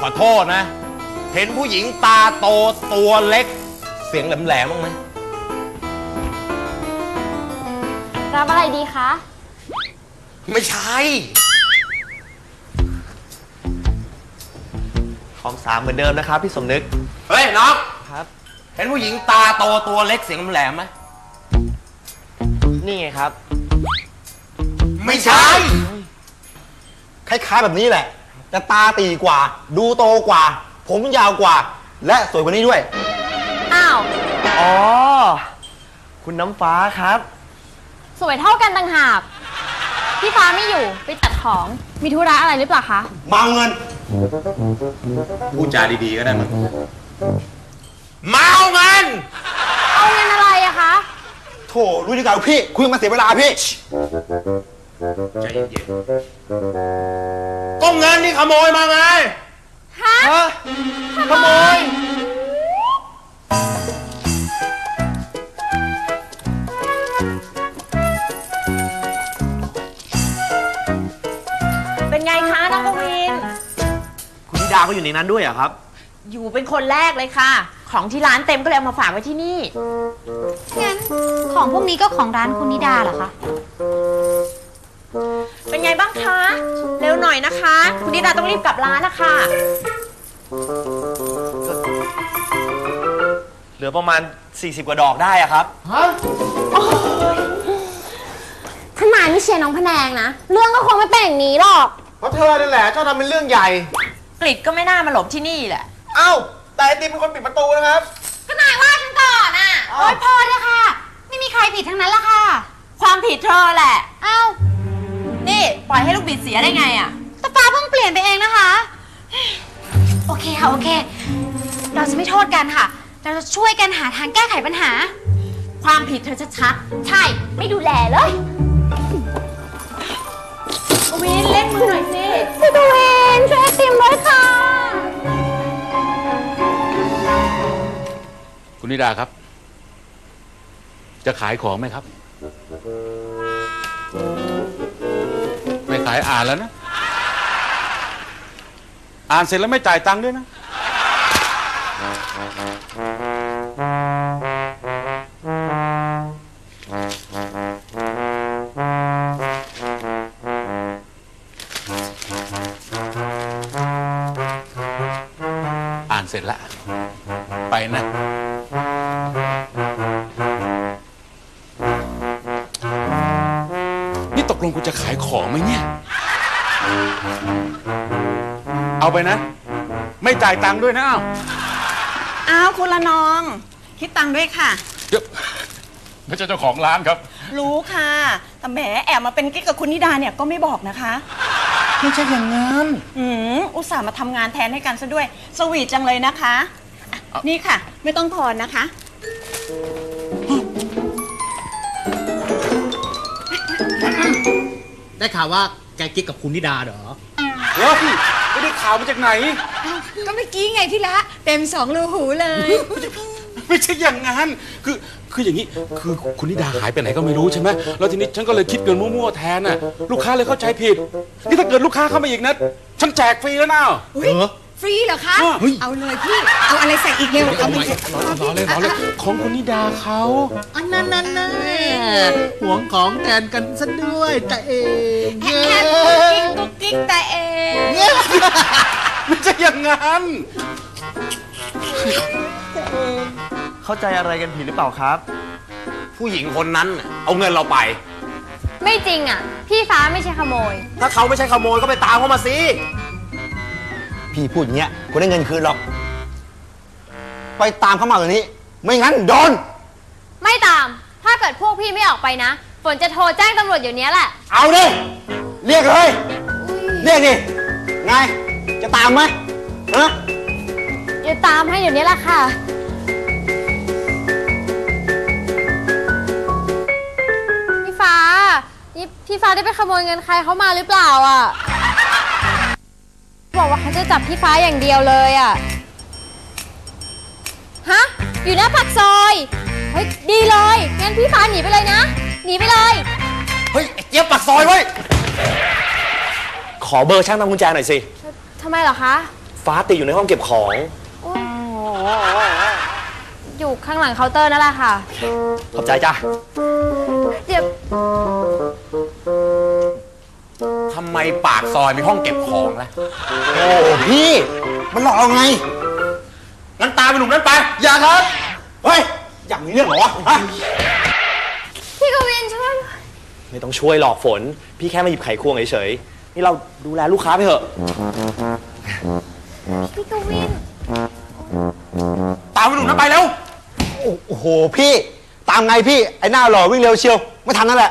อโทษนะ เห็นผู้หญิงตาโตตัวเล็กเสียงแหลมๆบ้างไหมรับอะไรดีคะไม่ใช่ของ3เหมือนเดิมนะครับพี่สมนึกเฮ้ยน้องครับเห็นผู้หญิงตาโตตัวเล็กเสียงแหลมไหมนี่ไงครับไม่ใช่คล้ายๆแบบนี้แหละแต่ตาตีกว่าดูโตกว่าผมยาวกว่าและสวยกว่านี้ด้วยอ้าวอ๋อคุณน้ำฟ้าครับสวยเท่ากันต่างหากพี่ฟ้าไม่อยู่ไปจัดของมีธุระอะไรหรือเปล่าคะมาเงินพูดจาดีๆก็ได้มั้งมาเอาเงินเอาเงินอะไรอะคะโถรู้ดีกว่าพี่คุยมาเสียเวลาพี่ใจเย็นๆก็เงินนี่ขโมยมาไงฮะขโมยเป็นไงคะน้องกวินคุณธิดาก็อยู่ในนั้นด้วยเหรอครับอยู่เป็นคนแรกเลยค่ะของที่ร้านเต็มก็เลยเอามาฝากไว้ที่นี่งั้นของพวกนี้ก็ของร้านคุณนิดาเหรอคะเป็นไงบ้างคะเร็วหน่อยนะคะคุณนิดาต้องรีบกลับร้านนะคะเหลือประมาณ40 กว่าดอกได้อะครับทนายไม่เชียร์น้องพแนงนะเรื่องก็คงไม่เป็นอย่างนี้หรอกเพราะเธอนั่นแหละชอบทำเป็นเรื่องใหญ่กฤษก็ไม่น่ามาหลบที่นี่แหละเอ้าแต่ไอติมเป็นคนปิดประตูนะครับทนายว่าฉันก่อนอ่ะโอ๊ยพอเลยค่ะไม่มีใครผิดทั้งนั้นละค่ะความผิดเธอแหละเอ้านี่ปล่อยให้ลูกบิดเสียได้ไงอ่ะแต่ฟ้าเพิ่งเปลี่ยนไปเองนะคะโอเคค่ะโอเคเราจะไม่โทษกันค่ะเราจะช่วยกันหาทางแก้ไขปัญหาความผิดเธอชัดๆใช่ไม่ดูแลเลยวินเล่นมือหน่อยสิพี่กวินช่วยไอติมด้วยค่ะคุณนิดาครับจะขายของไหมครับไม่ขายอ่านแล้วนะอ่านเสร็จแล้วไม่จ่ายตังค์ด้วยนะอ่านเสร็จแล้วไปนะนี่ตกลงกูจะขายของไหมเนี่ยเอาไปนะไม่จ่ายตังค์ด้วยนะอ้าวคุณละน้องคิดตังค์ด้วยค่ะเดี๋ยวไม่ใช่เจ้าของร้านครับรู้ค่ะแต่แหมแอบมาเป็นกิ๊กกับคุณนิดาเนี่ยก็ไม่บอกนะคะไม่ใช่อย่างนั้นอุตส่าห์มาทำงานแทนให้กันซะด้วยสวีทจังเลยนะคะนี่ค่ะไม่ต้องทอนนะคะได้ข่าวว่าแกกิ๊กกับคุณนิดาเหรอเฮ้ยไม่ได้ข่าวมาจากไหนก็เมื่อกี้ไงพี่ละเต็ม2 รูหูเลยไม่ใช่อย่างนั้นคืออย่างนี้คือคุณนิดาหายไปไหนก็ไม่รู้ใช่ไหมแล้วทีนี้ฉันก็เลยคิดเงินมั่วๆแทนน่ะลูกค้าเลยเข้าใจผิดนี่ถ้าเกิดลูกค้าเข้ามาอีกนะฉันแจกฟรีแล้วนะฟรีเหรอคะเอาเลยพี่เอาอะไรใส่อีกเร็วเอาไปรอเลยของคุณนิดาเขานั่นห่วงของแทนกันซะด้วยแต่เองแค่กุ๊กกิ๊กแต่เองไม่ใช่อย่างนั้นเข้าใจอะไรกันผิดหรือเปล่าครับผู้หญิงคนนั้นเอาเงินเราไปไม่จริงอ่ะพี่ฟ้าไม่ใช่ขโมยถ้าเขาไม่ใช่ขโมยก็ไปตามเขามาสิพี่พูดอย่างเงี้ยคุณได้เงินคืนหรอกไปตามเขามาแบบนี้ไม่งั้นโดนไม่ตามถ้าเกิดพวกพี่ไม่ออกไปนะฝนจะโทรแจ้งตำรวจอยู่นี้แหละเอาดิเรียกเลยเรียกดิไงจะตามไหมฮะจะตามให้เดี๋ยวนี้แหละค่ะพี่ฟ้านี่พี่ฟ้าได้ไปขโมยเงินใครเขามาหรือเปล่าอ่ะบอกว่าเขาจะจับพี่ฟ้าอย่างเดียวเลยอ่ะฮะอยู่หน้าปากซอยเฮ้ยดีเลยงั้นพี่ฟ้าหนีไปเลยนะหนีไปเลยเฮ้ยเจี๊ยบปากซอยไว้ขอเบอร์ช่างทำกุญแจหน่อยสิทำไมเหรอคะฟ้าติดอยู่ในห้องเก็บของอยู่ข้างหลังเคาน์เตอร์นั่นแหละค่ะขอบใจจ้ะเดี๋ยวทำไมปากซอยมีห้องเก็บของล่ะโอ้พี่ มันหลอกเราไงงั้นตามไปหนุ่มนั้นไปอย่าครับ เฮ้ย อยากมีเรื่องเหรอวะฮะพี่กวินช่วยไม่ต้องช่วยหลอกฝน พี่แค่มาหยิบไขควงเฉยๆ นี่เราดูแลลูกค้าไปเถอะพี่กวินตามไปหนุ่มนั้นไปเร็วโอ้โหพี่ ตามไงพี่ ไอ้หน้าหล่อวิ่งเร็วเชียว ไม่ทันนั่นแหละ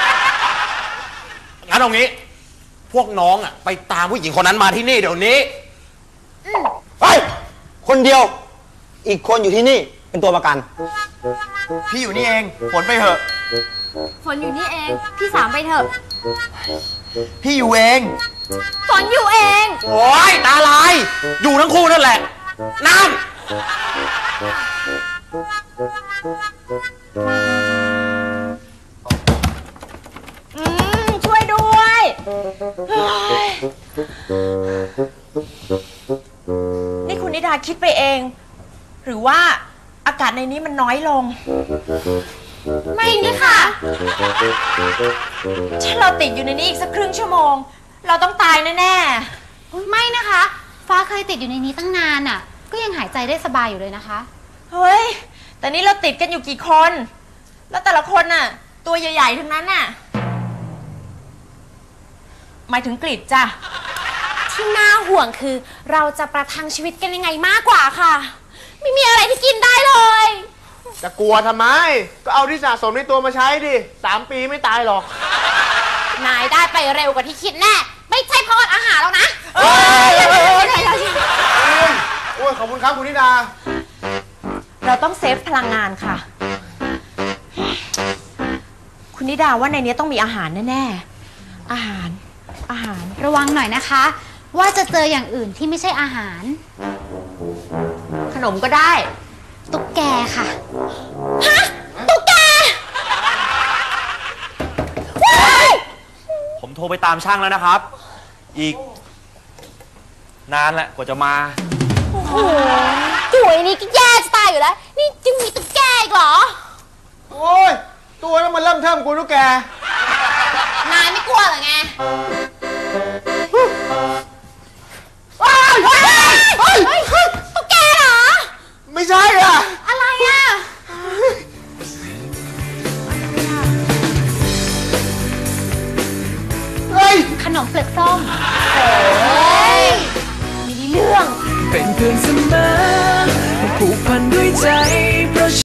งั้นเอางี้ พวกน้องอ่ะไปตามผู้หญิงคนนั้นมาที่นี่เดี๋ยวนี้เฮ้ย คนเดียว อีกคนอยู่ที่นี่ เป็นตัวประกันพี่อยู่นี่เอง ฝนไปเถอะฝนอยู่นี่เอง พี่สามไปเถอะพี่อยู่เองฝนอยู่เองโอ้ยตาลาย อยู่ทั้งคู่นั่นแหละ น้ำช่วยด้วยเฮ้ยนี่คุณนิดาคิดไปเอง หรือว่าอากาศในนี้มันน้อยลงไม่นี่ค่ะถ้าเราติดอยู่ในนี้อีกสักครึ่งชั่วโมง เราต้องตายแน่ไม่นะคะ ฟ้าเคยติดอยู่ในนี้ตั้งนานอ่ะ ก็ยังหายใจได้สบายอยู่เลยนะคะๆ เฮ้ย แต่นี่เราติดกันอยู่กี่คน แล้วแต่ละคนน่ะ ตัวใหญ่ๆทั้งนั้นน่ะ หมายถึงกรีดจ้ะที่น่าห่วงคือเราจะประทังชีวิตกันยังไงมากกว่าค่ะ ไม่มีอะไรที่กินได้เลยจะกลัวทำไม ก็เอาที่สะสมในตัวมาใช้ดิ 3 ปีไม่ตายหรอกนายได้ไปเร็วกว่าที่คิดแน่ ไม่ใช่เพราะอดอาหารแล้วนะโอ้ย ขอบคุณครับคุณนิดาเราต้องเซฟพลังงานค่ะ คุณนิดาว่าในนี้ต้องมีอาหารแน่ๆ อาหารระวังหน่อยนะคะ ว่าจะเจออย่างอื่นที่ไม่ใช่อาหารขนมก็ได้ตุ๊กแกค่ะ ฮะ ตุ๊กแกผมโทรไปตามช่างแล้วนะครับ อีก นานแหละกว่าจะมาโอ้โหจุ๋ยนี่ก็แย่จะตายอยู่แล้ว นี่ยังมีตุ๊กแกอีกเหรอโอ้ย ตัวนั้นมันเริ่มเทิมกูทุกแกนายไม่กลัวเหรอไงตุ๊กแกเหรอไม่ใช่อ่ะอะไรอ่ะเฮ้ยขนมเปลือกส้มโอ้ยมีเรื่องเป็นเพื่อนเสมอผูกพันด้วยใจ